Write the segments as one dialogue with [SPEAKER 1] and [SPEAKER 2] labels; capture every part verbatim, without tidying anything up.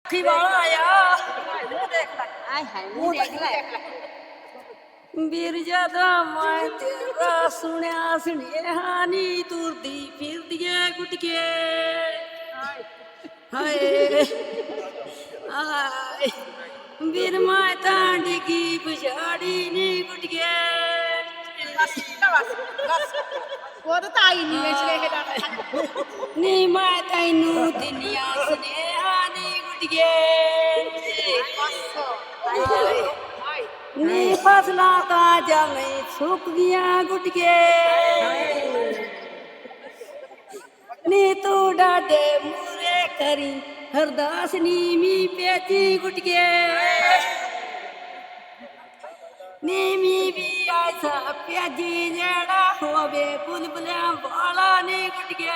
[SPEAKER 1] ਅੱਖੀ ਵਾਲਾ ਆਇਆ
[SPEAKER 2] ਮੂੰਹ ਦੇਖ ਲੈ ਆਏ ਹਾਏ ਮੂੰਹ ਦੇਖ ਲੈ
[SPEAKER 1] ਵੀਰ ਜਦਾ ਮੈਂ ਤੇਰਾ ਸੁਣਿਆ ਸੁਨੇਹਾ ਨੀ ਤੁਰਦੀ ਫਿਰਦੀ ਏ ਗੁਟਕੇ ਹਾਏ ਆਏ ਵੀਰ ਮੈਂ ਤਾਂ ਡਿੱਗੀ ਪਛਾੜੀ ਨੀ ਗੁਟਕੇ
[SPEAKER 2] ਉਹ ਤਾਂ ਆਈ ਨਹੀਂ ਵਿਚਲੇ ਇਹਦਾ
[SPEAKER 1] ਨੀ ਮੈਂ ਤੈਨੂੰ ਦਿਨੀਆਂ ਸੁਨੇਹਾ ਨੀ ਗੁਟਕੇ ਨੀ ਫਸਲਾਂ ਤਾਂ ਜਮੇ ਸੁੱਕ ਗਈਆਂ ਗੁਟਕੇ ਨੀ ਤੂੰ ਡਾਡੇ ਮੂਰੇ ਕਰੀ ਹਰਦਾਸ ਨੀ ਮੀ ਪੇਤੀ ਗੁਟਕੇ ਨੀ ਮੀ ਵੀ ਐਸਾ ਪਿਆਜੀ ਜਿਹੜਾ ਹੋਵੇ ਬੁਲਬੁਲਿਆਂ ਵਾਲਾ ਨੀ ਗੁਟਕੇ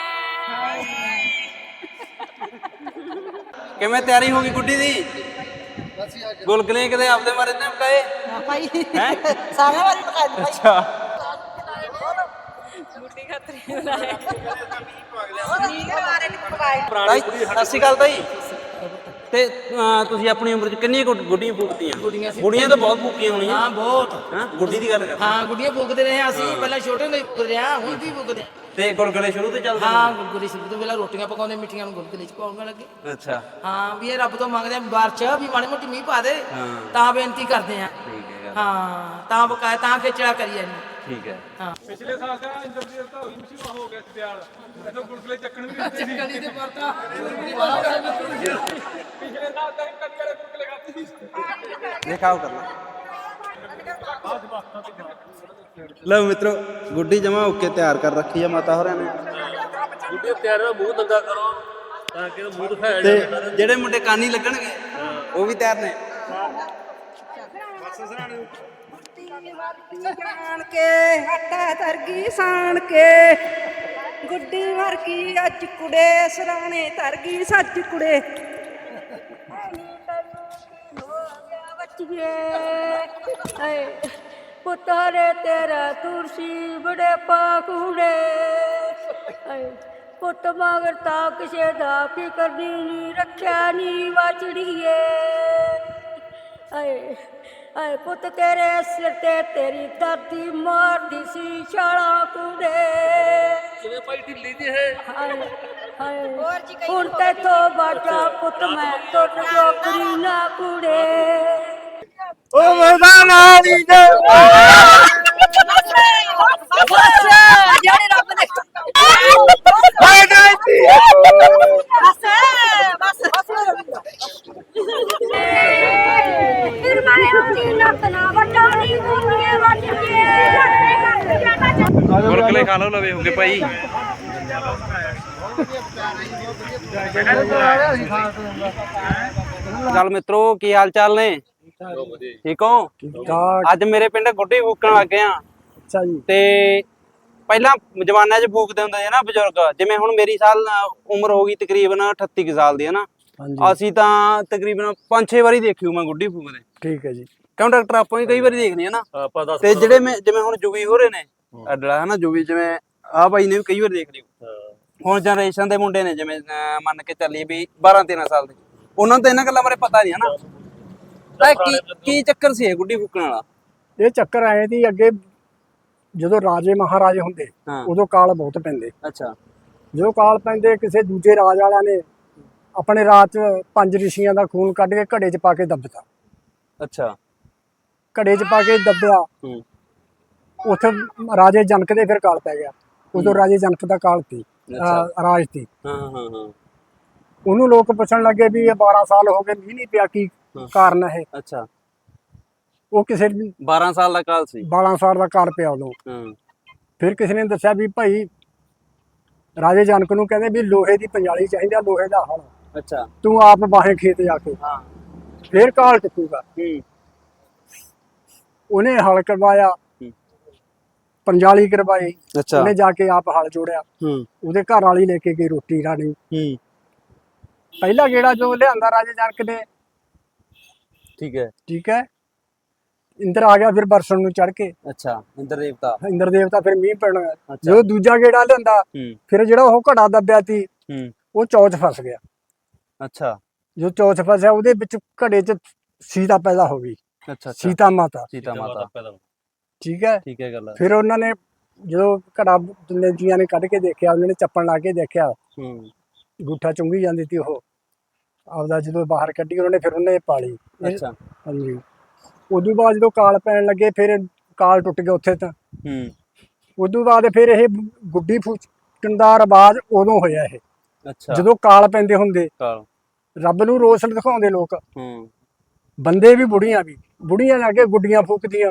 [SPEAKER 3] ਕਿਵੇਂ ਤਿਆਰੀ ਹੋ ਗਈ ਗੁੱਡੀ ਦੀ ਗੁਲਗਲੇ ਕਿਤੇ ਆਪਦੇ ਮਾਰੇ ਨੇ ਪਕਾਏ
[SPEAKER 2] ਭਾਈ
[SPEAKER 3] ਹੈ
[SPEAKER 2] ਸਾਰਾ ਵਾਰੀ ਪਕਾ ਦੇ
[SPEAKER 3] ਅੱਛਾ
[SPEAKER 1] ਗੁੱਡੀ ਖਤਰੀ ਬਣਾਏ
[SPEAKER 2] ਨੀ ਮਾਰੇ ਨਹੀਂ ਪਕਾਏ
[SPEAKER 3] ਤਾਈ ਸਤਿ ਸ਼੍ਰੀ ਅਕਾਲ ਤਾਈ ਤੇ ਅਹ, ਤੁਸੀਂ ਆਪਣੀ ਉਮਰ ਚ ਕਿੰਨੀਆਂ ਗੁੱਡ- ਗੁੱਡੀਆਂ ਫੂਕਤੀਆਂ
[SPEAKER 4] ਗੁੱਡੀਆਂ ਸੀ
[SPEAKER 3] ਗੁੱਡੀਆਂ ਤਾਂ ਬਹੁਤ ਫੂਕੀਆਂ ਹੋਣੀਆਂ
[SPEAKER 4] ਹਾਂ ਬਹੁਤ
[SPEAKER 3] ਹਾਂ ਗੁੱਡੀ ਦੀ ਗੱਲ ਕਰ
[SPEAKER 4] ਹਾਂ ਗੁੱਡੀਆਂ ਫੂਕਦੇ ਰਹੇ ਅਸੀਂ ਪਹਿਲਾਂ ਛੋਟੇ ਹੁੰਦੇ ਫੂਕਦੇ ਰਹੇ ਹਾਂ, ਹੁਣ ਵੀ ਫੂਕਦੇ ਹਾਂ।
[SPEAKER 3] ਤੇ ਗੁਲਗਲੇ ਸ਼ੁਰੂ ਤੋਂ ਚੱਲਦੇ
[SPEAKER 4] ਹਾਂ ਗੁਰਗੁਰੀ ਸ਼ੁਰੂ ਤੋਂ ਪਹਿਲਾਂ ਰੋਟੀਆਂ ਪਕਾਉਂਦੇ ਮਿੱਠੀਆਂ ਨੂੰ ਗੁਲਗੁਲੇ ਚ ਪਾਉਣ ਲੱਗੇ
[SPEAKER 3] ਨੇ? ਅੱਛਾ
[SPEAKER 4] ਹਾਂ ਵੀ ਇਹ ਰੱਬ ਤੋਂ ਮੰਗਦੇ ਆ ਬਾਰਿਸ਼ ਵੀ ਮਾੜੀ ਮੋਟੀ ਮੀਂਹ ਪਾ ਦੇ
[SPEAKER 3] ਹਾਂ।
[SPEAKER 4] ਤਾਂ ਬੇਨਤੀ ਕਰਦੇ ਆ
[SPEAKER 3] ਠੀਕ ਹੈ ਗੱਲ।
[SPEAKER 4] ਹਾਂ ਤਾਂ ਬਕਾਇਆ ਤਾਂ ਖੇਚੜਾ ਕਰੀ ਜਾਂਦੇ
[SPEAKER 3] ਠੀਕ ਹੈ
[SPEAKER 4] ਹਾਂ
[SPEAKER 5] ਪਿਛਲੇ ਸਾਲ ਤਾਂ ਇੰਦਰਜੀਤ ਤਾਂ ਹੋਈ ਮਸ਼ਹੂਰ ਹੋ ਗਿਆ ਸੀ ਤਿਆਰ ਇਦੋਂ ਗੁਲਗੁਲੇ ਚੱਕਣ ਵੀ ਨਹੀਂ ਸੀ
[SPEAKER 4] ਕਲੀ ਦੇ ਵਰਤਾ
[SPEAKER 5] ਪਿਛਲੇ ਸਾਲ ਤਾਂ ਕਦੀ ਵਾਲੇ ਗੁਲਗੁਲੇ ਖਾਤੇ ਸੀ
[SPEAKER 3] ਦਿਖਾਓ ਕਰ ਲਓ ਮਿੱਤਰੋ ਗੁੱਡੀ ਜਮਾ ਓਕੇ ਤਿਆਰ ਕਰ ਰੱਖੀ ਆ ਮਾਤਾ ਹੋਰਾਂ ਨੇ
[SPEAKER 6] ਗੁੱਡੀ ਤਿਆਰ ਦਾ ਮੂੰਹ ਨੰਗਾ ਕਰੋ ਤਾਂ ਕਿ ਮੂੰਹ ਦਿਖਾਇਆ
[SPEAKER 3] ਤੇ
[SPEAKER 6] ਜਾਵੇ
[SPEAKER 3] ਜਿਹੜੇ ਮੁੰਡੇ ਕਾਨੀ ਲੱਗਣਗੇ ਉਹ ਵੀ ਤਿਆਰ ਨੇ
[SPEAKER 1] ਜਾਣ ਕੇ ਹੱਟਾ ਤਰਗੀ ਸਾਣ ਕੇ ਗੁੱਡੀ ਵਰਗੀ ਅੱਜ ਕੁੜੇ ਸਰਾਣੇ ਤਰਗੀ ਸੱਚ ਕੁੜੇ ਬੱਚੀਏ ਪੁੱਤਰੇ ਤੇਰਾ ਤੁਰਸੀ ਬੜੇ ਪਾਕੂੜੇ ਪੁੱਤ ਮਗਰ ਤਾਂ ਕਿਸੇ ਦਾ ਫਿਕਰ ਨਹੀਂ ਰੱਖਿਆ ਨੀ ਵਾਚੜੀਏ ਆਏ ਆਏ ਪੁੱਤ ਤੇਰੇ ਸਿਰ ਤੇ ਤੇਰੀ ਧਰਤੀ ਮਾਰਦੀ ਸੀ ਛਾਲਾ ਕੁੜੇ
[SPEAKER 6] ਕਿਵੇਂ ਭਾਈ ਢਿੱਲੀ ਜੀ ਹੈ
[SPEAKER 1] ਹਾਏ ਹਾਏ ਹੁਣ ਤੇਥੋਂ ਬਾਟਾ ਪੁੱਤ ਮੈਂ ਟੁੱਟ ਜੋਕਰੀ ਨਾ ਕੁੜੇ
[SPEAKER 3] ਓ ਮਰਦਾਨਾ ਦੀ ਦੇ
[SPEAKER 1] ਬਸ ਜਿਹੜੇ ਰੱਬ ਨੇ
[SPEAKER 3] ਹਾਏ ਗਾਇਤੀ
[SPEAKER 1] ਬਸ ਬਸ ਫਿਰ ਮੈਂ ਉਹਦੀ ਲੱਤ ਨਾ ਵਟਾਉਣੀ ਮੁੰਡੇ ਵੱਟ ਕੇ
[SPEAKER 3] ਗੁਲਗਲੇ ਖਾ ਲਓ ਲਵੇ ਹੋਗੇ ਭਾਈ ਚੱਲ ਮਿੱਤਰੋ ਕੀ ਹਾਲ ਚਾਲ ਨੇ ਠੀਕ ਹੋ ਅੱਜ ਮੇਰੇ ਪਿੰਡ ਗੁੱਡੀ ਫੂਕਣ ਲੱਗੇ ਆ
[SPEAKER 7] ਅੱਛਾ ਜੀ
[SPEAKER 3] ਤੇ ਪਹਿਲਾਂ ਜਵਾਨਾਂ 'ਚ ਫੂਕਦੇ ਹੁੰਦੇ ਸੀ ਨਾ ਬਜ਼ੁਰਗ ਜਿਵੇਂ ਹੁਣ ਮੇਰੀ ਸਾਲ ਉਮਰ ਹੋ ਗਈ ਤਕਰੀਬਨ ਅਠੱਤੀ ਕੁ ਸਾਲ ਦੀ ਹੈ ਨਾ
[SPEAKER 7] ਹਾਂਜੀ
[SPEAKER 3] ਅਸੀਂ ਤਾਂ ਤਕਰੀਬਨ ਪੰਜ ਛੇ ਵਾਰੀ ਦੇਖੀ ਮੈਂ ਗੁੱਡੀ ਫੂਕਦੇ
[SPEAKER 7] ਠੀਕ ਹੈ ਜੀ
[SPEAKER 3] ਕਿਉਂ ਡਾਕਟਰ ਆਪਾਂ ਵੀ ਕਈ ਵਾਰੀ ਦੇਖਦੇ ਆ ਨਾ
[SPEAKER 6] ਆਪਾਂ ਦੱਸ
[SPEAKER 3] ਤੇ ਜਿਹੜੇ ਮੈਂ ਜਿਵੇਂ ਹੁਣ ਜੁਗੀ ਹੋ ਰਹੇ ਨੇ ਅਡਲਾ ਹੈ ਨਾ ਜੁਗੀ ਜਿਵੇਂ ਆ ਬਾਈ ਨੇ ਵੀ ਕਈ ਵਾਰ ਦੇਖ ਲਿਓ ਹੁਣ ਜਨਰੇਸ਼ਨ ਦੇ ਮੁੰਡੇ ਨੇ ਜਿਵੇਂ ਅਹ ਮੰਨ ਕੇ ਚੱਲੀਏ ਵੀ ਬਾਰਾਂ ਤੇਰਾਂ ਸਾਲ ਦੇ ਉਹਨਾਂ ਨੂੰ ਤਾਂ ਇਹਨਾਂ ਗੱਲਾਂ ਬਾਰੇ ਪਤਾ ਨਹੀਂ ਹੈ ਨਾ ਤਾਂ ਕੀ ਕੀ ਚੱਕਰ ਸੀ ਇਹ ਗੁੱਡੀ ਫੂਕਣ ਵਾਲਾ
[SPEAKER 7] ਇਹ ਚੱਕਰ ਆਏ ਦੀ ਅੱਗੇ ਜਦੋਂ ਰਾਜੇ ਮਹਾਰਾਜੇ ਹੁੰਦੇ
[SPEAKER 3] ਹਾਂ।
[SPEAKER 7] ਉਦੋਂ ਕਾਲ ਬਹੁਤ ਪੈਂਦੇ
[SPEAKER 3] ਅੱਛਾ
[SPEAKER 7] ਜਦੋਂ ਕਾਲ ਪੈਂਦੇ ਕਿਸੇ ਦੂਜੇ ਰਾਜ ਵਾਲਿਆਂ ਨੇ ਆਪਣੇ ਰਾਜ 'ਚ ਪੰਜ ਰਿਸ਼ੀਆਂ ਦਾ ਖੂਨ ਕੱਢ ਕੇ ਘੜੇ 'ਚ ਪਾ ਕੇ ਦੱਬਤਾ
[SPEAKER 3] ਅੱਛਾ
[SPEAKER 7] ਘੜੇ 'ਚ ਪਾ ਕੇ ਦੱਬਿਆ
[SPEAKER 3] ਹੂੰ
[SPEAKER 7] ਉੱਥੇ ਰਾਜੇ ਜਨਕ ਦੇ ਫਿਰ ਕਾਲ ਪੈ ਗਿਆ ਉਦੋਂ ਰਾਜੇ ਜਨਕ ਦਾ ਕਾਲ ਸੀ
[SPEAKER 3] ਅੱਛਾ।
[SPEAKER 7] ਅਹ ਰਾਜ ਸੀ
[SPEAKER 3] ਹਾਂ ਹਾਂ ਹਾਂ
[SPEAKER 7] ਉਹਨੂੰ ਲੋਕ ਪੁੱਛਣ ਲੱਗੇ ਵੀ ਇਹ ਬਾਰਾਂ ਸਾਲ ਹੋ ਗਏ ਮੀਂਹ ਨਹੀਂ ਪਿਆ ਕੀ ਕਾਰਨ ਹੈ
[SPEAKER 3] ਅੱਛਾ
[SPEAKER 7] ਉਹ ਕਿਸੇ
[SPEAKER 3] ਬਾਰਾਂ ਸਾਲ ਦਾ ਕਾਲ ਸੀ
[SPEAKER 7] ਬਾਰਾਂ ਸਾਲ ਦਾ ਕਾਲ ਪਿਆ ਉਦੋਂ
[SPEAKER 3] ਹਾਂ
[SPEAKER 7] ਫਿਰ ਕਿਸੇ ਨੇ ਦੱਸਿਆ ਵੀ ਭਾਈ ਰਾਜੇ ਜਨਕ ਨੂੰ ਕਹਿੰਦੇ ਵੀ ਲੋਹੇ ਦੀ ਪੰਜਾਲੀ ਚਾਹੀਦਾ ਲੋਹੇ ਦਾ ਹਲ
[SPEAKER 3] ਅੱਛਾ
[SPEAKER 7] ਤੂੰ ਆਪ ਬਾਹੇ ਖੇਤ ਜਾ ਕੇ
[SPEAKER 3] ਹਾਂ
[SPEAKER 7] ਫਿਰ ਕਾਲ ਟਿਕੂਗਾ
[SPEAKER 3] ਹੂੰ
[SPEAKER 7] ਉਹਨੇ ਹਲ ਕਰਵਾਇਆ ਪੰਜਾਲੀ ਕਰਵਾਈ
[SPEAKER 3] ਅੱਛਾ
[SPEAKER 7] ਉਹਨੇ ਜਾ ਕੇ ਆਪ ਹਲ ਜੋੜਿਆ
[SPEAKER 3] ਹੂੰ
[SPEAKER 7] ਉਹਦੇ ਘਰ ਵਾਲੀ ਲੈ ਕੇ ਗਈ ਰੋਟੀ ਰਾਣੀ
[SPEAKER 3] ਹੂੰ
[SPEAKER 7] ਪਹਿਲਾ ਗੇੜਾ ਜੋ ਲਿਆਂਦਾ ਰਾਜੇ ਜਨਕ ਨੇ
[SPEAKER 3] ਠੀਕ ਹੈ
[SPEAKER 7] ਠੀਕ ਹੈ ਇੰਦਰ ਆ ਗਿਆ ਫਿਰ ਬਰਸਣ ਨੂੰ ਚੜ ਕੇ
[SPEAKER 3] ਅੱਛਾ ਇੰਦਰ ਦੇਵਤਾ
[SPEAKER 7] ਇੰਦਰ ਦੇਵਤਾ ਫਿਰ ਮੀਂਹ ਪੈਣਾ
[SPEAKER 3] ਅੱਛਾ।
[SPEAKER 7] ਜਦੋਂ ਦੂਜਾ ਗੇੜਾ ਲਿਆਂਦਾ
[SPEAKER 3] ਹੂੰ
[SPEAKER 7] ਫਿਰ ਜਿਹੜਾ ਉਹ ਘੜਾ ਦੱਬਿਆ ਸੀ
[SPEAKER 3] ਹੂੰ
[SPEAKER 7] ਉਹ ਚੌਚ ਫਸ ਗਿਆ
[SPEAKER 3] ਅੱਛਾ
[SPEAKER 7] ਜੋ ਚੌਥ ਫਸਿਆ ਉਹਦੇ ਵਿੱਚ ਘੜੇ 'ਚ ਸੀਤਾ ਪੈਦਾ ਹੋ ਗਈ,
[SPEAKER 3] ਅੱਛਾ ਅੱਛਾ
[SPEAKER 7] ਸੀਤਾ ਮਾਤਾ।
[SPEAKER 3] ਸੀਤਾ ਮਾਤਾ
[SPEAKER 7] ਠੀਕ ਹੈ।
[SPEAKER 3] ਠੀਕ ਹੈ ਗੱਲ ਹੈ।
[SPEAKER 7] ਫਿਰ ਉਹਨਾਂ ਨੇ ਜਦੋਂ ਘੜਾ ਤਿੰਨੇ ਜੀਆਂ ਨੇ ਕੱਢ ਕੇ ਦੇਖਿਆ, ਉਹਨਾਂ ਨੇ ਚੱਪਣ ਲਾ ਕੇ ਦੇਖਿਆ,
[SPEAKER 3] ਹੂੰ
[SPEAKER 7] ਅੰਗੂਠਾ ਚੁੰਗੀ ਜਾਂਦੀ ਸੀ ਉਹ ਆਪਦਾ, ਜਦੋਂ ਬਾਹਰ ਕੱਢੀ ਉਹਨਾਂ ਨੇ ਫਿਰ ਉਹਨੇ ਪਾਲੀ। ਇਹ-
[SPEAKER 3] ਅੱਛਾ
[SPEAKER 7] ਹਾਂਜੀ। ਉਦੋਂ ਬਾਅਦ ਜਦੋਂ ਕਾਲ ਪੈਣ ਲੱਗੇ ਫਿਰ ਕਾਲ ਟੁੱਟ ਗਿਆ ਉੱਥੇ ਤਾਂ।
[SPEAKER 3] ਹੂੰ
[SPEAKER 7] ਉਦੋਂ ਬਾਅਦ ਫਿਰ ਇਹ ਗੁੱਡੀ ਫੂਕਣ ਦਾ ਰਿਵਾਜ ਉਦੋਂ ਹੋਇਆ ਇਹ,
[SPEAKER 3] ਅੱਛਾ
[SPEAKER 7] ਜਦੋਂ ਕਾਲ ਪੈਂਦੇ ਹੁੰਦੇ
[SPEAKER 3] ਕਾਲ
[SPEAKER 7] ਰੱਬ ਨੂੰ ਰੋਸ ਦਿਖਾਉਂਦੇ ਲੋਕ,
[SPEAKER 3] ਹੂੰ
[SPEAKER 7] ਬੰਦੇ ਵੀ ਬੁੜੀਆਂ ਵੀ, ਬੁੜੀਆਂ ਜਾ ਕੇ ਗੁੱਡੀਆਂ ਫੂਕਦੀਆਂ।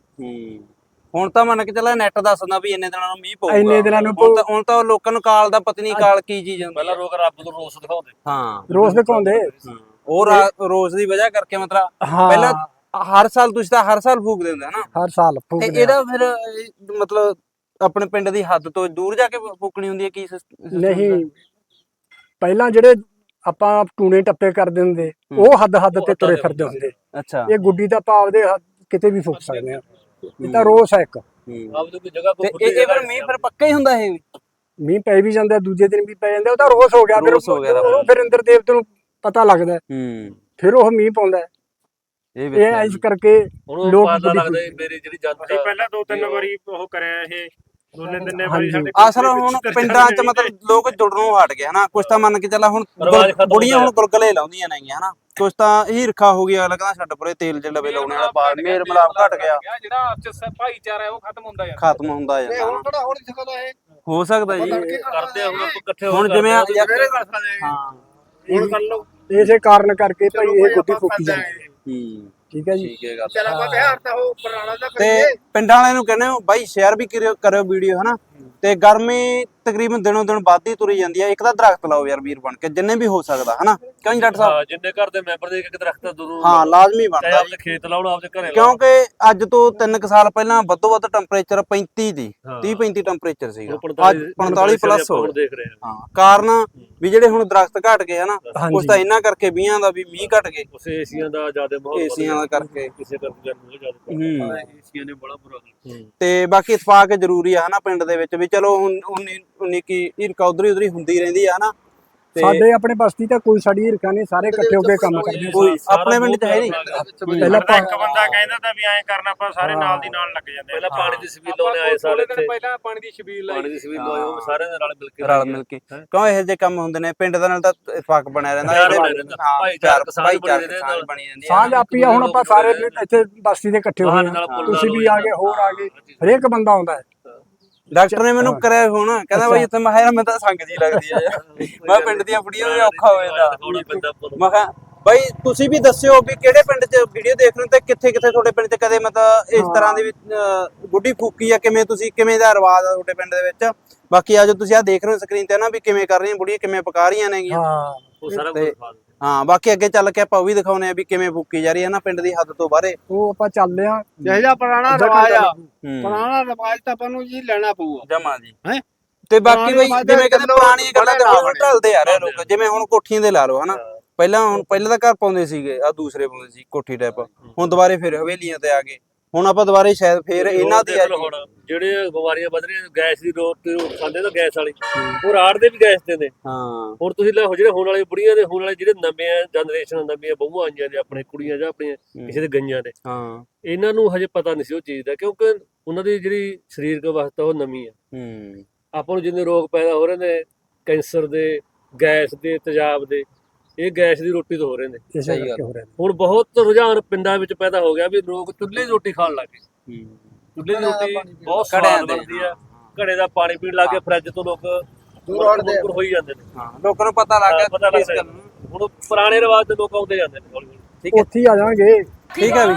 [SPEAKER 3] ਹੂੰ ਹੁਣ ਤਾਂ ਮੰਨ ਕੇ ਚੱਲਾ ਨੈਟ ਦੱਸਦਾ ਵੀ ਇੰਨੇ ਦਿਨਾਂ ਨੂੰ ਮੀਂਹ ਪਊਗਾ,
[SPEAKER 7] ਇੰਨੇ ਦਿਨਾਂ ਨੂੰ
[SPEAKER 3] ਹੁਣ ਤਾਂ ਹੁਣ ਤਾਂ ਲੋਕਾਂ ਨੂੰ ਕਾਲ ਦਾ ਪਤਾ ਨਹੀਂ ਕਾਲ ਕੀ ਚੀਜ਼ ਹੁੰਦੀ।
[SPEAKER 6] ਪਹਿਲਾਂ ਲੋਕ ਰੱਬ ਨੂੰ ਰੋਸ ਦਿਖਾਉਂਦੇ।
[SPEAKER 3] ਹਾਂ
[SPEAKER 7] ਰੋਸ ਦਿਖਾਉਂਦੇ।
[SPEAKER 3] ਹਾਂ। ਉਹ ਰਾ- ਰੋਜ਼ ਦੀ ਵਜ੍ਹਾ ਕਰਕੇ ਮਤਲਬ
[SPEAKER 7] ਹਾਂ
[SPEAKER 3] ਪਹਿਲਾਂ ਹਰ ਸਾਲ ਤੁਸੀਂ ਤਾਂ ਹਰ ਸਾਲ ਫੂਕਦੇ ਹੁੰਦੇ ਹਨਾ,
[SPEAKER 7] ਹਰ ਸਾਲ
[SPEAKER 3] ਤੇ
[SPEAKER 7] ਫੂਕਦੇ।
[SPEAKER 3] ਇਹਦਾ ਫਿਰ ਇਹ ਮਤਲਬ ਆਪਣੇ ਪਿੰਡ ਦੀ ਹੱਦ ਤੋਂ ਦੂਰ ਜਾ ਕੇ ਫੂਕਣੀ ਹੁੰਦੀ ਹੈ ਕੀ ਸਿਸਟਮ?
[SPEAKER 7] ਨਹੀਂ, ਪਹਿਲਾਂ ਜਿਹੜੇ ਆਪਾਂ ਟੂਣੇ ਟੱਪੇ ਕਰਦੇ ਹੁੰਦੇ ਉਹ ਹੱਦ ਹੱਦ ਤੇ ਤੁਰੇ ਫਿਰਦੇ ਹੁੰਦੇ।
[SPEAKER 3] ਅੱਛਾ
[SPEAKER 7] ਇਹ ਗੁੱਡੀ ਦਾ ਭਾਵ ਦੇ ਹੱਦ ਕਿਤੇ ਵੀ ਫੂਕ ਸਕਦੇ ਆ, ਇਹ ਤਾਂ ਰੋਸ ਹੈ ਇੱਕ।
[SPEAKER 6] ਆਪ ਦੀ ਕੋਈ ਜਗ੍ਹਾ
[SPEAKER 3] ਤੇ
[SPEAKER 6] ਕੋਈ
[SPEAKER 3] ਇਹ ਇਹ ਫਿਰ ਮੀਂਹ ਫਿਰ ਪੱਕਾ ਹੀ ਹੁੰਦਾ ਇਹ?
[SPEAKER 7] ਮੀਂਹ ਪੈ ਵੀ ਜਾਂਦਾ, ਦੂਜੇ ਦਿਨ ਵੀ ਪੈ ਜਾਂਦਾ, ਉਹ ਤਾਂ ਰੋਸ ਹੋ ਗਿਆ। ਫਿਰ
[SPEAKER 3] ਰੋਸ ਹੋ ਗਿਆ ਤਾਂ
[SPEAKER 7] ਉਹ ਫਿਰ ਇੰਦਰ ਦੇਵਤੇ ਨੂੰ ਪਤਾ ਲੱਗਦਾ,
[SPEAKER 3] ਹੂੰ
[SPEAKER 7] ਫਿਰ ਉਹ ਮੀਂਹ ਪਾਉਂਦਾ।
[SPEAKER 3] ਇਹ
[SPEAKER 7] ਇਹ
[SPEAKER 3] ਵੇਖਿਆ
[SPEAKER 7] ਇਸ ਕਰਕੇ
[SPEAKER 6] ਹੁਣ
[SPEAKER 7] ਲੋਕ
[SPEAKER 6] ਪਤਾ
[SPEAKER 7] ਗੁੱਡੀ
[SPEAKER 6] ਲੱਗਦਾ
[SPEAKER 7] ਫੂਕਦੇ।
[SPEAKER 6] ਮੇਰੀ ਜਿਹੜੀ ਜਨਤਾ
[SPEAKER 5] ਪਹਿਲਾਂ ਦੋ ਤਿੰਨ ਵਾਰੀ ਉਹ ਕਰਿਆ ਇਹ ਦੋਨੇ ਤਿੰਨੇ ਵਾਰੀ
[SPEAKER 7] ਹਾਂਜੀ।
[SPEAKER 5] ਸਾਡੇ
[SPEAKER 3] ਅਸਲ ਹੁਣ ਪਿੰਡਾਂ 'ਚ ਮਤਲਬ ਲੋਕ ਜੁੜਨੋਂ ਹਟ ਗਏ ਹਨਾ, ਕੁਛ ਤਾਂ ਮੰਨ ਕੇ ਚੱਲਾ ਹੁਣ
[SPEAKER 6] ਰਿਵਾਜ ਖਤਮ
[SPEAKER 3] ਬੁੜੀਆਂ
[SPEAKER 6] ਹੋ
[SPEAKER 3] ਹੁਣ ਗੁਲਗਲੇ ਲਾਉਂਦੀਆਂ ਨੇਗੀਆਂ ਹਨਾ, ਕੁਛ ਤਾਂ ਹੀਰਖਾ ਹੋ ਗਿਆ, ਅਗਲਾ ਕਹਿੰਦਾ ਛੱਡ ਪਰੇ ਤੇਲ ਜਿਹੜਾ ਵੇ ਲਾਉਣੇ ਵਾਲਾ ਪਾ, ਮੇਲ ਮਿਲਾਪ ਘਟ ਗਿਆ,
[SPEAKER 5] ਜਿਹੜਾ ਆਪਸ ਚ ਭਾਈਚਾਰਾ ਹੈ ਉਹ ਖਤਮ ਹੁੰਦਾ ਜਾਂਦਾ।
[SPEAKER 3] ਖਤਮ ਹੁੰਦਾ ਜਾਂਦਾ ਹਨਾ।
[SPEAKER 4] ਥੋੜਾ ਹੋਰ ਦਿਖਾਉਂਦਾ ਇਹ
[SPEAKER 3] ਹੋ ਸਕਦਾ ਜੀ।
[SPEAKER 6] ਕਰਦੇ ਆ ਹੁਣ ਆਪਾਂ ਇਕੱਠੇ ਹੋ
[SPEAKER 3] ਹੁਣ ਜਿਵੇਂ ਆ-
[SPEAKER 4] ਸਵੇਰੇ ਕਰ ਸਕਦੇ
[SPEAKER 3] ਹਾਂ
[SPEAKER 4] ਹੁਣ ਕਰ ਲਓ।
[SPEAKER 7] ਇਸੇ ਕਾਰਨ ਕਰਕੇ ਭਾਈ ਇਹ ਗੁੱਡੀ ਫੂਕੀ ਜਾਂਦੀ ਹੈ।
[SPEAKER 3] ਹੂੰ
[SPEAKER 7] ਠੀਕ ਹੈ ਜੀ।
[SPEAKER 3] ਠੀਕ ਹੈ ਗੱਲ।
[SPEAKER 4] ਚਲ ਆਪਾਂ ਬਿਹਾਰ ਤਾਂ ਉਹ ਪੁਰਾਣਾ ਦਾ
[SPEAKER 3] ਤੇ
[SPEAKER 4] ਕਰੀਏ।
[SPEAKER 3] ਪਿੰਡਾਂ ਵਾਲਿਆਂ ਨੂੰ ਕਹਿੰਦੇ ਹੋ ਬਾਈ ਸ਼ੇਅਰ ਵੀ ਕਰਿਓ ਕਰਿਓ ਵੀਡੀਓ ਹਨਾ, ਤੇ ਗਰਮੀ ਤਕਰੀਬਨ ਦਿਨੋਂ ਦਿਨ ਵੱਧਦੀ ਤੁਰੀ ਜਾਂਦੀ ਹੈ, ਇੱਕ ਤਾਂ ਦਰਖਤ ਲਾਓ ਯਾਰ ਵੀਰ ਬਣ ਕੇ ਜਿੰਨੇ ਵੀ ਹੋ ਸਕਦਾ ਹਨਾ, ਕਿਉਂ ਜੀ ਡਾਕਟਰ ਸਾਹਿਬ?
[SPEAKER 6] ਹਾਂ ਜਿੰਨੇ ਘਰ ਦੇ ਮੈਂਬਰ ਦੇ ਇੱਕ ਇੱਕ ਦਰਖਤ ਜ਼ਰੂਰ
[SPEAKER 3] ਹਾਂ ਲਾਜ਼ਮੀ
[SPEAKER 6] ਚਾਹੇ
[SPEAKER 3] ਬਣਦਾ
[SPEAKER 6] ਆਪਦੇ ਖੇਤ ਲਾਉਣ ਆਪਦੇ ਘਰੇ ਲਾਉਣ।
[SPEAKER 3] ਕਿਉਂਕਿ ਅੱਜ ਤੋਂ ਤਿੰਨ ਕੁ ਸਾਲ ਪਹਿਲਾਂ ਵੱਧੋ ਵੱਧ ਟੈਂਪਰੇਚਰ ਪੈਂਤੀ ਦੀ
[SPEAKER 6] ਹਾਂ।
[SPEAKER 3] ਤੀਹ ਪੈਂਤੀ ਟੈਂਪਰੇਚਰ ਸੀਗਾ,
[SPEAKER 6] ਹੁਣ
[SPEAKER 3] ਅੱਜ ਪੰਤਾਲੀ ਪਲੱਸ ਹੋ
[SPEAKER 6] ਹੁਣ
[SPEAKER 3] ਗਿਆ।
[SPEAKER 6] ਦੇਖ ਰਹੇ ਹਾਂ
[SPEAKER 3] ਹਾਂ ਕਾਰਨ ਵੀ ਜਿਹੜੇ ਹੁਣ ਦਰਖਤ ਘਟ ਗਏ ਹਨਾ,
[SPEAKER 7] ਹਾਂਜੀ।
[SPEAKER 3] ਉਸ ਤਾਂ ਇਹਨਾਂ ਕਰਕੇ ਵੀਹਾਂ ਦਾ ਵੀ ਮੀਂਹ ਘਟ ਗਏ,
[SPEAKER 6] ਉਸੇ ਏਸੀਆਂ ਦਾ ਜ਼ਿਆਦਾ ਮਾਹੌਲ ਵੱਧ
[SPEAKER 3] ਏਸੀਆਂ ਦਾ
[SPEAKER 6] ਗਿਆ।
[SPEAKER 3] ਕਰਕੇ।
[SPEAKER 6] ਕਿਸੇ ਕਰਕੇ ਬਹੁਤ ਜ਼ਿਆਦਾ
[SPEAKER 3] ਹੂੰ
[SPEAKER 6] ਏਸੀਆਂ ਨੇ ਬੜਾ ਬੁਰਾ ਹਾਲ।
[SPEAKER 3] ਤੇ ਬਾਕੀ ਇਤਫਾਕ ਜ਼ਰੂਰੀ ਆ ਹਨਾ ਪਿੰਡ ਦੇ ਵਿੱਚ ਵੀ, ਚਲੋ ਹੁਣ ਉਨੀ ਉਨੀ ਕੀ ਹਿਰਕਾ ਉਧਰੀ ਉਧਰੀ ਹੁੰਦੀ ਰਹਿੰਦੀ ਆ ਹਨਾ, ਤੇ
[SPEAKER 7] ਸਾਡੇ ਆਪਣੇ ਬਸਤੀ ਤਾਂ ਕੋਈ ਸਾਡੀ ਹਿਰਕਾ ਨਹੀਂ, ਸਾਰੇ ਇਕੱਠੇ ਹੋ ਕੇ ਕੰਮ ਕਰਦੇ ਆ।
[SPEAKER 3] ਕੋਈ ਆਪਣੇ ਪਿੰਡ 'ਚ ਹੈ ਨਹੀਂ।
[SPEAKER 7] ਪਹਿਲਾਂ
[SPEAKER 5] ਤਾਂ ਇੱਕ ਬੰਦਾ ਕਹਿੰਦਾ ਤਾਂ ਵੀ ਐਂ ਕਰਨਾ, ਆਪਾਂ ਸਾਰੇ ਨਾਲ ਦੀ ਨਾਲ ਲੱਗ ਜਾਂਦੇ।
[SPEAKER 6] ਪਹਿਲਾਂ ਪਾਣੀ ਦੀ ਸਬੀਲ ਲਾਉਣੇ ਆਏ ਸਾਰੇ ਇੱਥੇ,
[SPEAKER 5] ਪਹਿਲਾਂ ਪਾਣੀ ਦੀ ਛਬੀਲ
[SPEAKER 6] ਪਾਣੀ ਦੀ ਸਬੀਲ ਲਾਏ ਉਹ ਸਾਰਿਆਂ ਦੇ ਨਾਲ ਮਿਲ ਕੇ
[SPEAKER 3] ਰਲ ਮਿਲ ਕੇ, ਕਿਉਂ ਇਹੋ ਜਿਹੇ ਕੰਮ ਹੁੰਦੇ ਨੇ ਪਿੰਡ ਦਾ, ਨਾਲ ਤਾਂ ਇਤਫਾਕ ਬਣਿਆ ਰਹਿੰਦਾ,
[SPEAKER 6] ਪਿਆਰ
[SPEAKER 3] ਇਹਦੇ-
[SPEAKER 6] ਬਣਿਆ ਰਹਿੰਦਾ,
[SPEAKER 3] ਹਾਂ,
[SPEAKER 6] ਭਾਈਚਾਰਕ
[SPEAKER 3] ਪਿਆਰ-
[SPEAKER 6] ਸਾਂਝ ਬਣੀ
[SPEAKER 3] ਭਾਈਚਾਰਕ
[SPEAKER 6] ਰਹਿੰਦੀ
[SPEAKER 3] ਸਾਂਝ
[SPEAKER 6] ਨਾਲ।
[SPEAKER 3] ਬਣੀ ਜਾਂਦੀ ਹੈ।
[SPEAKER 7] ਸਾਂਝ ਆਪੀ ਆ। ਹੁਣ ਆਪਾਂ ਸਾਰੇ ਇੱਥੇ ਬਸਤੀ ਦੇ ਇਕੱਠੇ ਹੋਏ
[SPEAKER 6] ਨਾਲ
[SPEAKER 7] ਹਾਂ,
[SPEAKER 6] ਪੁੱਲ
[SPEAKER 7] ਤੁਸੀਂ ਵੀ
[SPEAKER 6] ਨਾਲ
[SPEAKER 7] ਆ ਗਏ, ਹੋਰ ਆ ਗਏ, ਹਰੇਕ ਬੰਦਾ ਆਉਂਦਾ ਹੈ।
[SPEAKER 3] ਡਾਕਟਰ ਨੇ ਮੈਨੂੰ ਕਰਿਆ ਫੋਨ, ਕਹਿੰਦਾ ਬਾਈ ਇੱਥੇ ਮੈਂ ਕਿਹਾ ਯਾਰ ਮੈਂ ਤਾਂ ਸੰਗ ਜੀ ਲੱਗਦੀ ਆ ਯਾਰ, ਮੈਂ ਪਿੰਡ ਦੀਆਂ ਬੁੜੀਆਂ ਨੂੰ ਵੀ ਔਖਾ ਹੋ ਜਾਂਦਾ।
[SPEAKER 6] ਦਿਖਾਉਣਾ ਪੈਂਦਾ ਪੁੱਲ।
[SPEAKER 3] ਮੈਂ ਕਿਹਾ ਬਾਈ ਤੁਸੀਂ ਵੀ ਦੱਸਿਓ ਵੀ ਕਿਹੜੇ ਪਿੰਡ 'ਚ ਵੀਡੀਓ ਦੇਖ ਰਹੇ ਹੋ, ਤੇ ਕਿੱਥੇ ਕਿੱਥੇ ਤੁਹਾਡੇ ਪਿੰਡ 'ਚ ਕਦੇ ਮਤਲਬ ਇਸ ਤਰ੍ਹਾਂ ਦੀ ਵੀ ਅਹ, ਗੁੱਡੀ ਫੂਕੀ ਆ, ਕਿਵੇਂ ਤੁਸੀਂ ਕਿਵੇਂ ਦਾ ਰਿਵਾਜ ਆ ਤੁਹਾਡੇ ਪਿੰਡ ਦੇ ਵਿੱਚ। ਬਾਕੀ ਆ ਜੋ ਤੁਸੀਂ ਆ ਦੇਖ ਰਹੇ ਹੋ ਸਕਰੀਨ ਤੇ ਨਾ ਵੀ ਕਿਵੇਂ ਕਰ ਰਹੀਆਂ ਬੁੜੀਆਂ, ਕਿਵੇਂ ਪਕਾ ਰਹੀਆਂ ਨੇਗੀਆਂ।
[SPEAKER 7] ਹਾਂ
[SPEAKER 6] ਉਹ ਸਾਰਾ ਕੁਝ
[SPEAKER 3] ਤੇ-
[SPEAKER 6] ਦਿਖਾ ਦਿੰਦੇ।
[SPEAKER 3] ਹਾਂ ਬਾਕੀ ਅੱਗੇ ਚੱਲ ਕੇ ਆਪਾਂ ਉਹ ਵੀ ਦਿਖਾਉਨੇ ਆ ਵੀ ਕਿਵੇਂ ਫੂਕੀ ਜਾ ਰਹੀ ਹੈ ਨਾ ਪਿੰਡ ਦੀ ਹੱਦ ਤੋਂ ਬਾਹਰੇ।
[SPEAKER 7] ਉਹ ਆਪਾਂ ਚੱਲਦੇ ਆ।
[SPEAKER 4] ਜਿਹੋ ਜਿਹਾ ਪੁਰਾਣਾ
[SPEAKER 7] ਅੱਧਾ
[SPEAKER 4] ਰਿਵਾਜ ਆ,
[SPEAKER 3] ਹੂੰ
[SPEAKER 4] ਪੁਰਾਣਾ ਰਿਵਾਜ ਤਾਂ ਆਪਾਂ ਨੂੰ ਜੀ ਲੈਣਾ ਪਊਗਾ।
[SPEAKER 3] ਜਮਾ ਜੀ।
[SPEAKER 4] ਹੈਂ?
[SPEAKER 3] ਤੇ ਬਾਕੀ
[SPEAKER 4] ਪੁਰਾਣੇ
[SPEAKER 3] ਬਈ
[SPEAKER 4] ਰਿਵਾਜ
[SPEAKER 3] ਜਿਵੇਂ ਕਹਿੰਦੇ
[SPEAKER 4] ਚੱਲੋ,
[SPEAKER 3] ਪੁਰਾਣੀਆਂ ਗੱਲਾਂ ਤੇ
[SPEAKER 4] ਬੜੇ
[SPEAKER 3] ਹੁਣ ਢਲਦੇ ਆ ਰਹੇ ਲੋਕ, ਜਿਵੇਂ ਹੁਣ ਕੋਠੀਆਂ ਦੇ ਲਾ ਲਓ ਹਨਾ, ਪਹਿਲਾਂ ਹੁਣ ਪਹਿਲਾਂ ਤਾਂ ਘਰ ਪਾਉਂਦੇ ਸੀਗੇ, ਆ ਦੂਸਰੇ ਪਾਉਂਦੇ ਸੀ ਕੋਠੀ ਟਾਈਪ, ਹੁਣ ਦੁਬਾਰੇ ਫਿਰ ਹਵੇਲੀਆਂ ਤੇ ਆ ਗਏ, ਹੁਣ ਆਪਾਂ ਦੁਬਾਰੇ ਸ਼ਾਇਦ ਫੇਰ ਇਹਨਾਂ ਦੀ ਆ
[SPEAKER 6] ਦੇਖ ਲਓ ਹੁਣ ਜਿਹੜੇ ਬਿਮਾਰੀਆਂ ਵੱਧ ਰਹੀਆਂ, ਗੈਸ ਦੀ ਰੋਟੀ ਖਾਂਦੇ ਤਾਂ ਗੈਸ ਵਾਲੀ, ਉਹ ਰਾੜ ਦੇ ਵੀ ਗੈਸ ਦੇ ਨੇ।
[SPEAKER 3] ਹਾਂ
[SPEAKER 6] ਹੁਣ ਤੁਸੀਂ ਲੈ ਜਿਹੜੇ ਹੋਣ ਵਾਲੇ ਬੁੜੀਆਂ ਦੇ, ਹੋਣ ਵਾਲੇ ਜਿਹੜੇ ਨਵੇਂ ਜਨਰੇਸ਼ਨ ਨਵੀਆਂ ਬਹੂਆਂ ਆਈਆਂ ਨੇ, ਆਪਣੇ ਕੁੜੀਆਂ ਜਾਂ ਆਪਣੀਆਂ ਕਿਸੇ ਦੇ ਗਈਆਂ ਨੇ,
[SPEAKER 3] ਹਾਂ
[SPEAKER 6] ਇਹਨਾਂ ਨੂੰ ਹਜੇ ਪਤਾ ਨਹੀਂ ਸੀ ਉਹ ਚੀਜ਼ ਦਾ, ਕਿਉਂਕਿ ਉਹਨਾਂ ਦੀ ਜਿਹੜੀ ਸਰੀਰਕ ਅਵਸਥਾ ਉਹ ਨਵੀਂ ਆ।
[SPEAKER 3] ਹੂੰ
[SPEAKER 6] ਆਪਾਂ ਨੂੰ ਜਿੰਨੇ ਰੋਗ ਪੈਦਾ ਹੋ ਰਹੇ ਨੇ, ਕੈਂਸਰ ਦੇ, ਗੈਸ ਦੇ, ਤੇਜ਼ਾਬ ਦੇ, ਇਹ ਗੈਸ ਦੀ ਰੋਟੀ ਤੋਂ ਹੋ ਰਹੇ ਨੇ।
[SPEAKER 7] ਇਸੇ
[SPEAKER 3] ਸਹੀ ਗੱਲ।
[SPEAKER 7] ਕਰਕੇ ਹੋ ਰਿਹਾ।
[SPEAKER 6] ਹੁਣ ਬਹੁਤ ਰੁਝਾਨ ਪਿੰਡਾਂ ਵਿੱਚ ਪੈਦਾ ਹੋ ਗਿਆ ਵੀ ਲੋਕ ਚੁੱਲ੍ਹੇ ਦੀ ਰੋਟੀ ਖਾਣ ਲੱਗ ਗਏ।
[SPEAKER 3] ਹੂੰ
[SPEAKER 6] ਚੁੱਲ੍ਹੇ ਦੀ ਰੋਟੀ ਬਹੁਤ
[SPEAKER 3] ਘੜਿਆਂ
[SPEAKER 6] ਸਵਾਦ
[SPEAKER 3] ਦੇ।
[SPEAKER 6] ਬਣਦੀ ਆ, ਘੜੇ ਦਾ ਪਾਣੀ ਪੀਣ ਲੱਗ ਕੇ ਫਰਿੱਜ ਤੋਂ ਲੋਕ ਦੂਰ ਹਟਦੇ ਹੋਈ ਜਾਂਦੇ ਨੇ।
[SPEAKER 3] ਹਾਂ ਲੋਕਾਂ ਨੂੰ ਪਤਾ ਲੱਗ
[SPEAKER 6] ਹਾਂ, ਪਤਾ
[SPEAKER 3] ਗਿਆ
[SPEAKER 6] ਲੱਗ
[SPEAKER 3] ਇਸ
[SPEAKER 6] ਗਿਆ।
[SPEAKER 3] ਗੱਲ ਨੂੰ।
[SPEAKER 6] ਹੁਣ ਪੁਰਾਣੇ ਰਿਵਾਜ ਦੇ ਲੋਕ ਆਉਂਦੇ ਜਾਂਦੇ ਨੇ ਹੌਲੀ ਹੌਲੀ।
[SPEAKER 3] ਠੀਕ ਹੈ
[SPEAKER 7] ਉੱਥੇ ਹੀ ਆ ਜਾਵਾਂਗੇ।
[SPEAKER 3] ਠੀਕ ਹੈ ਵੀ।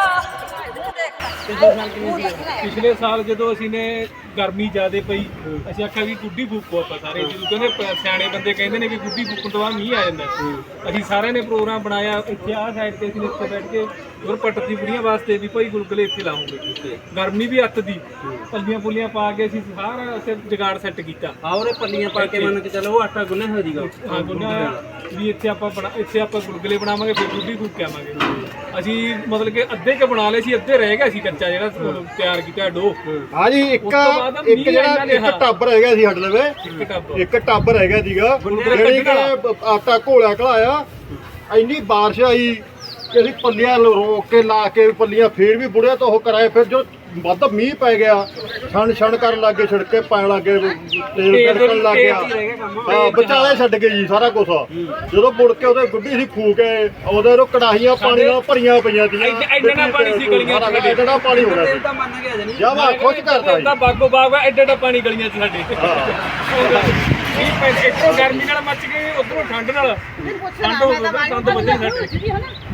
[SPEAKER 5] ਪਿਛਲੇ ਸਾਲ ਜਦੋਂ ਅਸੀਂ ਨੇ ਗਰਮੀ ਜ਼ਿਆਦੇ ਪਈ, ਅਸੀਂ ਆਖਿਆ ਵੀ ਗੁੱਡੀ ਫੂਕੋ ਆਪਾਂ ਸਾਰੇ, ਜਦੋਂ ਕਹਿੰਦੇ ਪ- ਸਿਆਣੇ ਬੰਦੇ ਕਹਿੰਦੇ ਨੇ ਵੀ ਗੁੱਡੀ ਫੂਕਣ ਤੋਂ ਬਾਅਦ ਮੀਂਹ ਆ ਜਾਂਦਾ। ਅਸੀਂ ਸਾਰਿਆਂ ਨੇ ਪ੍ਰੋਗਰਾਮ ਬਣਾਇਆ, ਇੱਥੇ ਆਹ ਸਾਈਡ ਤੇ ਅਸੀਂ ਇੱਥੇ ਬੈਠ ਕੇ ਗੁਰ ਪੱਟਦੀ ਬੁੜੀਆਂ ਵਾਸਤੇ ਵੀ ਭਾਈ ਗੁਲਗੁਲੇ ਇੱਥੇ ਲਾਉਂਗੇ। ਗਰਮੀ ਵੀ ਅੱਤ ਦੀ, ਪੱਲੀਆਂ ਪੁੱਲੀਆਂ ਪਾ ਕੇ ਅਸੀਂ ਸਾਰਾ ਉੱਥੇ ਜਗਾੜ ਸੈੱਟ ਕੀਤਾ।
[SPEAKER 3] ਹਾਂ ਉਹਨੇ ਪੱਲੀਆਂ ਪਾ ਕੇ ਮੰਨ ਕੇ ਚੱਲੋ ਉਹ ਆਟਾ ਗੁੰਨਿਆ ਹੋ ਜੀਗਾ।
[SPEAKER 5] ਹਾਂ ਗੁੰਨਾ ਵੀ ਇੱਥੇ ਆਪਾਂ ਬਣਾ ਇੱਥੇ ਆਪਾਂ ਗੁਲਗੁਲੇ ਬਣਾਵਾਂਗੇ, ਫਿਰ ਗੁੱਡੀ ਫੂਕ ਕੇ ਆਵਾਂਗੇ। ਅਸੀਂ ਮਤਲਬ ਕਿ ਅੱਧੇ ਕੇ ਬਣਾ ਲਏ ਸੀ, ਅੱਧੇ ਰਹਿ ਗਿਆ ਸੀ ਕੱਚਾ ਜਿਹੜਾ ਤਿਆਰ ਕੀਤਾ ਡੋ।
[SPEAKER 8] ਹਾਂ ਜੀ, ਇੱਕ
[SPEAKER 5] ਉਸ ਤੋਂ ਬਾਅਦ
[SPEAKER 8] ਇੱਕ
[SPEAKER 5] ਮੀਂਹ
[SPEAKER 8] ਜਿਹੜਾ
[SPEAKER 5] ਇੰਨਾ
[SPEAKER 8] ਇੱਕ
[SPEAKER 5] ਰਿਹਾ।
[SPEAKER 8] ਟੱਬ ਰਹਿ ਗਿਆ ਸੀ ਸਾਡੇ ਲਵੇ,
[SPEAKER 5] ਇੱਕ ਟੱਬ
[SPEAKER 8] ਇੱਕ ਟੱਬ ਰਹਿ ਗਿਆ ਸੀਗਾ,
[SPEAKER 5] ਗੁਲਗੁਲੇ
[SPEAKER 8] ਜਿਹੜੀ
[SPEAKER 5] ਕੱਢਣ
[SPEAKER 8] ਕਿ ਆਟਾ ਘੋਲਿਆ ਘਲਾਇਆ ਇੰਨੀ ਬਾਰਿਸ਼ ਆਈ ਕਿ ਅਸੀਂ ਪੱਲੀਆਂ ਰੋਕ ਕੇ ਲਾ ਕੇ ਪੱਲੀਆਂ ਫੇਰ ਵੀ ਬੁੜਿਆ ਤੋਂ ਉਹ ਕਰਾਏ। ਫਿਰ ਜੋ ਵੱਧ ਮੀਂਹ ਪੈ ਗਿਆ ਛਣ ਛਣ ਕਰਨ ਲੱਗੇ, ਛਿੜਕੇ ਪੈਣ ਲੱਗੇ, ਤੇਲ ਤਿੜਕਣ ਲੱਗ ਗਿਆ। ਹਾਂ ਵਿਚਾਲੇ ਛੱਡ ਗਏ ਜੀ ਸਾਰਾ ਕੁਝ। ਜਦੋਂ ਮੁੜ ਕੇ ਉਹਦੇ ਗੁੱਡੀ ਸੀ ਫੂਕ ਕੇ ਉਹਦੇ ਰੋ ਕੜਾਹੀਆਂ ਪਾਣੀ ਨਾਲ ਭਰੀਆਂ ਪਈਆਂ ਸੀ।
[SPEAKER 5] ਐਡਾ ਪਾਣੀ ਸੀ ਗਲੀਆਂ ਚ,
[SPEAKER 8] ਐਡਾ ਪਾਣੀ ਹੋ ਗਿਆ ਸੀ।
[SPEAKER 3] ਤਾਂ ਮੰਨ ਗਿਆ ਜਣੀ
[SPEAKER 8] ਜਾ ਵਾ ਖੁਸ਼ ਕਰਦਾ ਜੀ।
[SPEAKER 5] ਤਾਂ ਬਾਗੋ ਬਾਗ ਐਡਾ ਐਡਾ ਪਾਣੀ ਗਲੀਆਂ ਚ ਸਾਡੇ। ਮੀਂਹ ਪੈ ਇੱਥੋਂ ਗਰਮੀ ਨਾਲ ਮੱਚ ਗਏ, ਉਧਰੋਂ ਠੰਡ ਨਾਲ।
[SPEAKER 2] ਪੁੱਛਣਾ
[SPEAKER 5] ਠੰਡ
[SPEAKER 2] ਮੈਂ ਤਾਂ
[SPEAKER 5] ਠੰਡ ਵੱਜਣੀ ਸਾਡੇ।
[SPEAKER 2] ਪੁੱਛਦੀ ਹਾਂ ਨਾ